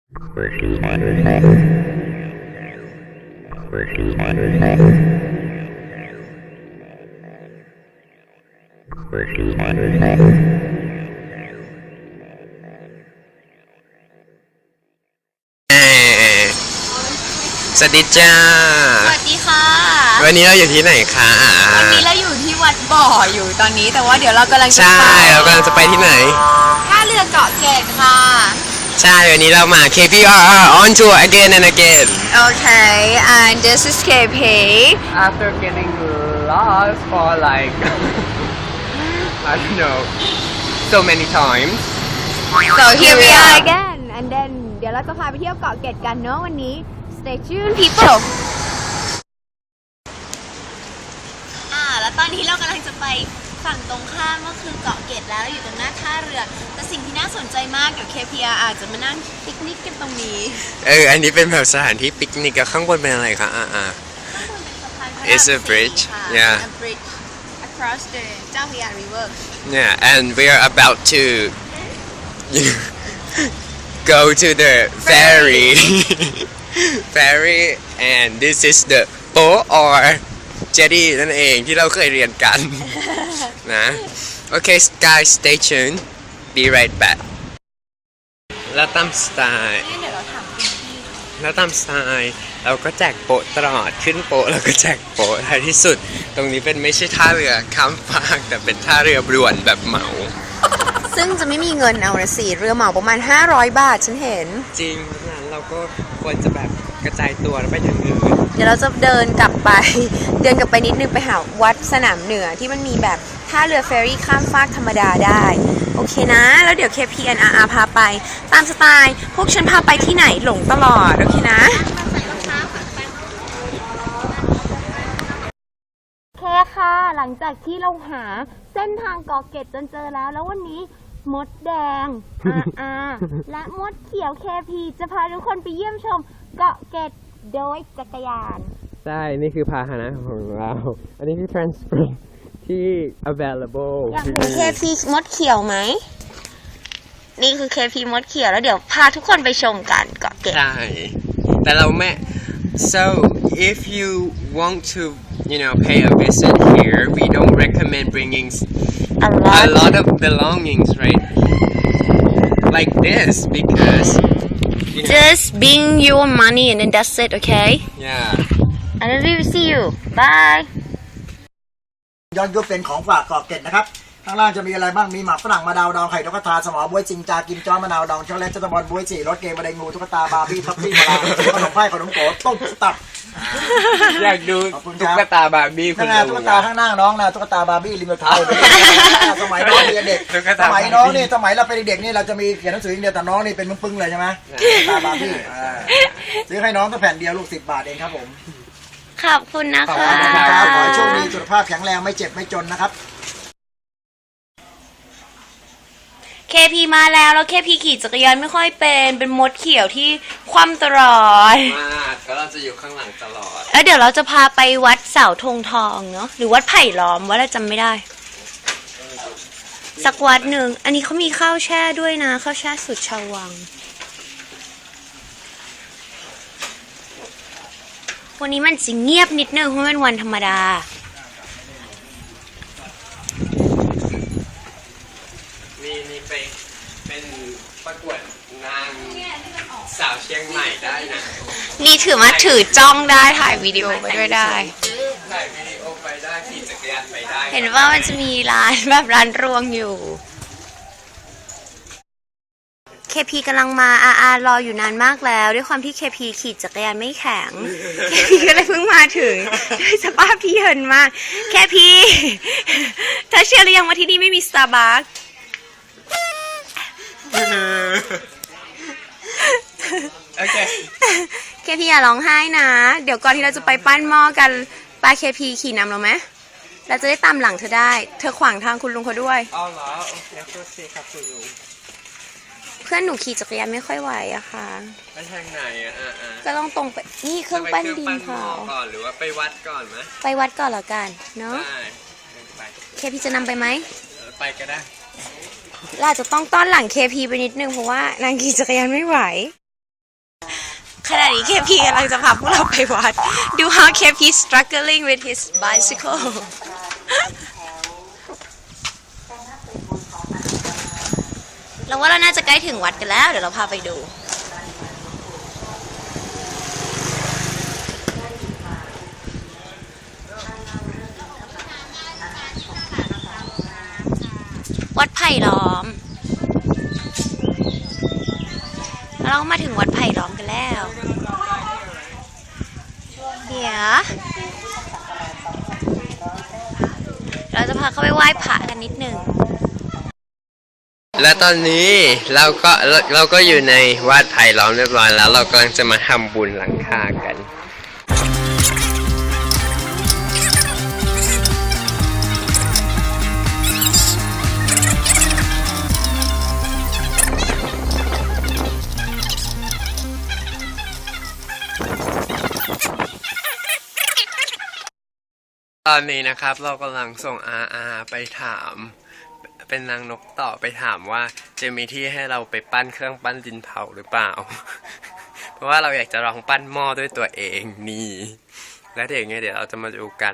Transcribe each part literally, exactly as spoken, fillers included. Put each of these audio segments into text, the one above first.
สวัสดีจ้าสวัสดีค่ะวันนี้เราอยู่ที่ไหนคะวันนี้เราอยู่ที่วัดบ่ออยู่ตอนนี้แต่ว่าเดี๋ยวเรากำลังจะใช่เรากำลังจะไปที่ไหนท่าเรือเกาะเกร็ดค่ะใช่วันนี้เรามา เค พี อาร์ อาร์ on tour again and again Okay and this is เค พี After getting lost for like I don't know so many times so here we are again and then เดี๋ยวเราจะพาไปเที่ยวเกาะเกร็ดกันเนาะวันนี้ stay tuned people อ่าแล้วตอนนี้เรากำลังจะไปฝั่งตรงข้ามก็คือเกาะเกร็ดแล้วอยู่ตรงหน้าท่าเรือแต่สิ่งที่น่าสนใจมากเดี๋ยว เค พี อาร์ อาจจะมานั่งปิกนิกกันตรงนี้เอออันนี้เป็นแบบสถานที่ปิกนิกกับข้างบนเป็นอะไรคะอ่าอ่าข้างบนเป็นสะพานพระราม It's a bridge yeah a bridge across the เจ้าพระยา river yeah and we are about to go to the ferry ferry and this is the boat or jetty นั่นเองที่เราเคยเรียนกันนะโอเค guys stay tuned be right back แล้วตามสไตล์เดี๋ยวเราถามคุณพี่แล้วตามสไตล์เราก็แจกโปะตลอดขึ้นโปะแล้วก็แจกโปะท้ายที่สุดตรงนี้เป็นไม่ใช่ท่าเรือข้ามฟากแต่เป็นท่าเรือด่วนแบบเหมาซึ่งจะไม่มีเงินเอาละสิเรือเหมาประมาณห้าร้อยบาทฉันเห็นจริงเพราะฉะนั้นเราก็ควรจะแบบกระจายตัวแล้วไปทางอื่นเดี๋ยวเราจะเดินกลับไปเดินกลับไปนิดนึงไปหาวัดสนามเหนือที่มันมีแบบท่าเรือเฟอร์รี่ข้ามฟากธรรมดาได้โอเคนะแล้วเดี๋ยว เค พี อาร์ อาร์ พาไปตามสไตล์พวกฉันพาไปที่ไหนหลงตลอดโอเคนะโอเคค่ะหลังจากที่เราหาเส้นทางเกาะเกร็ดจนเจอแล้วแล้ววันนี้มดแดง อาร์ และมดเขียว เค พี จะพาทุกคนไปเยี่ยมชมเกาะเกร็ดโดยจักรยานใช่นี่คือพาหนะของเราอันนี้คือ transport ที่ available อยากเห็น เค พี มดเขียวไหมนี่คือ เค พี มดเขียวแล้วเดี๋ยวพาทุกคนไปชมกันเกาะเกร็ดใช่แต่เราไม่ so if you want to you know pay a visit here we don't recommend bringing a lot, a lot of belongings right like this because you know, just bring your money and then that's it okay yeah and then we will see you bye ย้อนยุคเป็นของฝากเกาะเกร็ดนะครับข้างล่างจะมีอะไรบ้างมีหมากฝรั่งมะนาวดองไข่นกกระทาสมอบวยจิงจากินจ้อมะนาวดองช็อกโกแลตจัตบอลบวยจีรสเกมบะไดงูตุ๊กตาบาร์บี้ท็อปปี้มาลาขนมไผ่ขนมโก๋ต้มตับอยากดูตุ๊กตาบาร์บี้คุณตุ๊กตาข้างหน้าน้องนะตุ๊กตาบาร์บี้ริมเท้าสมัยน้องเด็กสมัยน้องนี่สมัยเราเป็นเด็กนี่เราจะมีเขียนหนังสืออย่างเดียวแต่น้องนี่เป็นปึ้งๆเลยใช่ไหมตุ๊กตาบาร์บี้ซื้อให้น้องก็แผ่นเดียวลูกสิบบาทเองครับผมขอบคุณนะคะขอบคุณครับขอให้โชคดีสุขภาพแข็งแรงไม่เจ็บไม่จนนะครับเค พี มาแล้วแล้ว เค พี ขี่จักรยานไม่ค่อยเป็นเป็นมดเขียวที่คว่ำตลอดมากก็เราจะอยู่ข้างหลังตลอดแล้วเดี๋ยวเราจะพาไปวัดเสาธงทองเนาะหรือวัดไผ่ล้อมวัดเราจำไม่ได้สักวัดหนึ่งอันนี้เขามีข้าวแช่ด้วยนะข้าวแช่สุดชาววังวันนี้มันจะเงียบนิดนึงเพราะเป็นวันธรรมดามีมีไปเป็นประกวดนางสาวเชียงใหม่ได้นะนี่ถือมาถือจ้องได้ถ่ายวิดีโอไปด้วยได้ถ่ายวิดีโอไปได้ขี่จักรยานไปได้เห็นว่ามันจะมีร้านแบบร้านรวงอยู่ เค พี กำลังมา อาร์ อาร์ รออยู่นานมากแล้วด้วยความที่ เค พี ขี่จักรยานไม่แข็ง เค พี ก็เลยเพิ่งมาถึงด้วยสภาพที่เยินมาก เค พี เธอเชื่อหรือยังว่าที่นี่ไม่มีสตาร์บัคโอเคเค พี อย่าร้องไห้นะเดี๋ยวก่อนที่เราจะไปปั้นหม้อกันปา เค พี ขี่นำเราไหมเราจะได้ตามหลังเธอได้เธอขวางทางคุณลุงเขาด้วยอ๋อเหรอโอเคโอเคครับคุณลุงเพื่อนหนูขี่จักรยานไม่ค่อยไหวอะค่ะไปทางไหนอะอ่าก็ต้องตรงไปนี่เครื่องปั้นดินเผาก่อนหรือว่าไปวัดก่อนไหมไปวัดก่อนแล้วกันเนาะเค พี จะนำไปไหมไปก็ได้เราจะต้องต้อนหลัง เค พี ไปนิดนึงเพราะว่านางขี่จักรยานไม่ไหวขณะนี้เคพีกำลังจะพาพวกเราไปวัด ดู how เคพี struggling with his bicycle เราว่าเราน่าจะใกล้ถึงวัดกันแล้ว เดี๋ยวเราพาไปดู วัดไผ่ล้อม เรามาถึงวัดไผ่ล้อมกันแล้ว เดี๋ยวเราจะพาเข้าไปไหว้พระกันนิดหนึ่งและตอนนี้เราก็เราเราก็อยู่ในวัดไผ่ล้อมเรียบร้อยแล้ว เรากำลังจะมาทำบุญหลังคากัน ตอนนี้นะครับเรากำลังส่งอาอาไปถาม เป็นนางนกต่อไปถามว่าจะมีที่ให้เราไปปั้นเครื่องปั้นดินเผาหรือเปล่า เพราะว่าเราอยากจะลองปั้นหม้อด้วยตัวเองนี่ แล้วเดี๋ยวไงเดี๋ยวเราจะมาดูกัน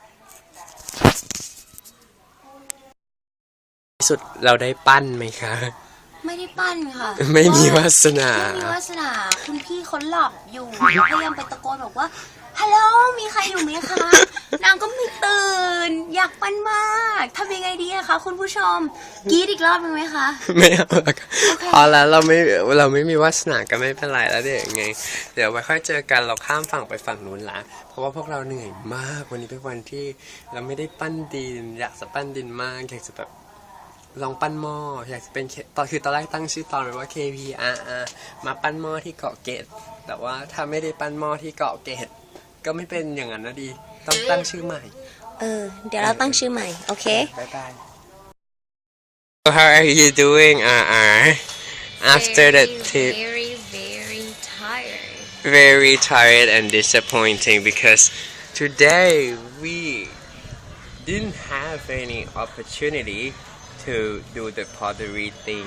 ที่สุดเราได้ปั้นไหมคะไม่ได้ปั้นค่ะไม่มีวาสนาไม่มีวาสนา คุณพี่เขาหลับอยู่ พยายามไปตะโกนบอกว่า ฮัลโหล มีใครอยู่ไหมคะ นางก็ไม่ตื่น อยากปั้นมากทำยังไงดีอะคะคุณผู้ชมกรีดอีกรอบหนึ่งไหมคะไม่เอาละค่ะพอแล้วเราไม่เราไม่มีวาสนาก็ไม่เป็นไรแล้วเดี๋ยวยังไง เดี๋ยวไว้ค่อยเจอกันเราข้ามฝั่งไปฝั่งนู้นละเพราะว่าพวกเราเหนื่อยมากวันนี้เป็นวันที่เราไม่ได้ปั้นดิน อยากจะปั้นดินมากอยากจะแบบลองปั้นหม้ออยากจะเป็นตอนคือตอนแรกตั้งชื่อตอนไว้ว่า เค พี อาร์ อาร์ มาปั้นหม้อที่เกาะเกร็ดแต่ว่าถ้าไม่ได้ปั้นหม้อที่เกาะเกร็ดก็ไม่เป็นอย่างนั้นนะดีต้องตั้งชื่อใหม่เออ เดี๋ยวเราตั้งชื่อใหม่ โอเคบายบาย So how are you doing อาร์ อาร์ after the trip very very tired very tired and disappointing because today we didn't have any opportunity to do the pottery thing.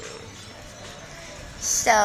so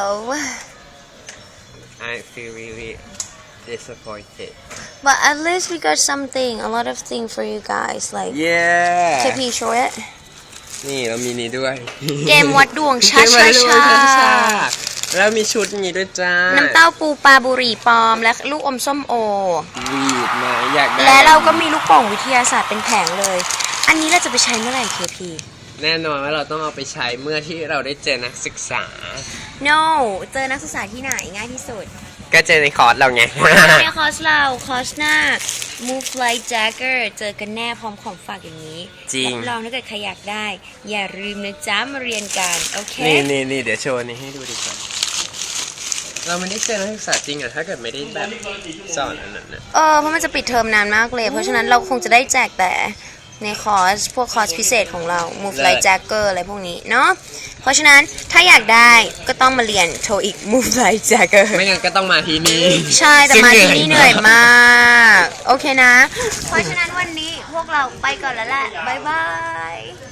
I feel really disappointed. but at least we got something a lot of thing for you guys like Yeah. เคพี show it นี่เรามีนี้ด้วยเกมวัดดวงชาเกมวัดดวงชาชาแล้วมีชุดนี้ด้วยจ้าน้ำเต้าปูปลาบุหรี่ปลอม และลูกอมส้มโอวีดมาอยากได้และเราก็มีลูกโป่งวิทยาศาสตร์เป็นแผงเลย อันนี้เราจะไปใช้เมื่อไหร่ เค พีแน่นอนว่าเราต้องเอาไปใช้เมื่อที่เราได้เจอนักศึกษา no เจอนักศึกษาที่ไหนง่ายที่สุดก็เจอในคอร์สเราไงในคอร์สเรา คอร์สหน้า move like Jagger เจอกันแน่พร้อมของฝากอย่างนี้จริงรับรองถ้าเกิดใครอยากได้ อย่าลืมนะจ๊ะมาเรียนกัน โอเคนี่นี่นี่เดี๋ยวโชว์นี้ให้ดูดีกว่า เราไม่ได้เจอนักศึกษาจริงอะถ้าเกิดไม่ได้แบบสอนอันนั้นนะเออเพราะมันจะปิดเทอมนานมากเลย เพราะฉะนั้นเราคงจะได้แจกแต่ในคอร์ส พวกคอร์สพิเศษของเรา move like Jagger อะไรพวกนี้เนาะ เพราะฉะนั้นถ้าอยากได้ก็ต้องมาเรียนโทอีก move like Jagger ไม่งั้นก็ต้องมาที่นี่ใช่แต่มาที่นี่เหนื่อยซึ่งมาก โอเคนะ เพราะฉะนั้นวันนี้พวกเราไปก่อนแล้วแหละ บ๊ายบาย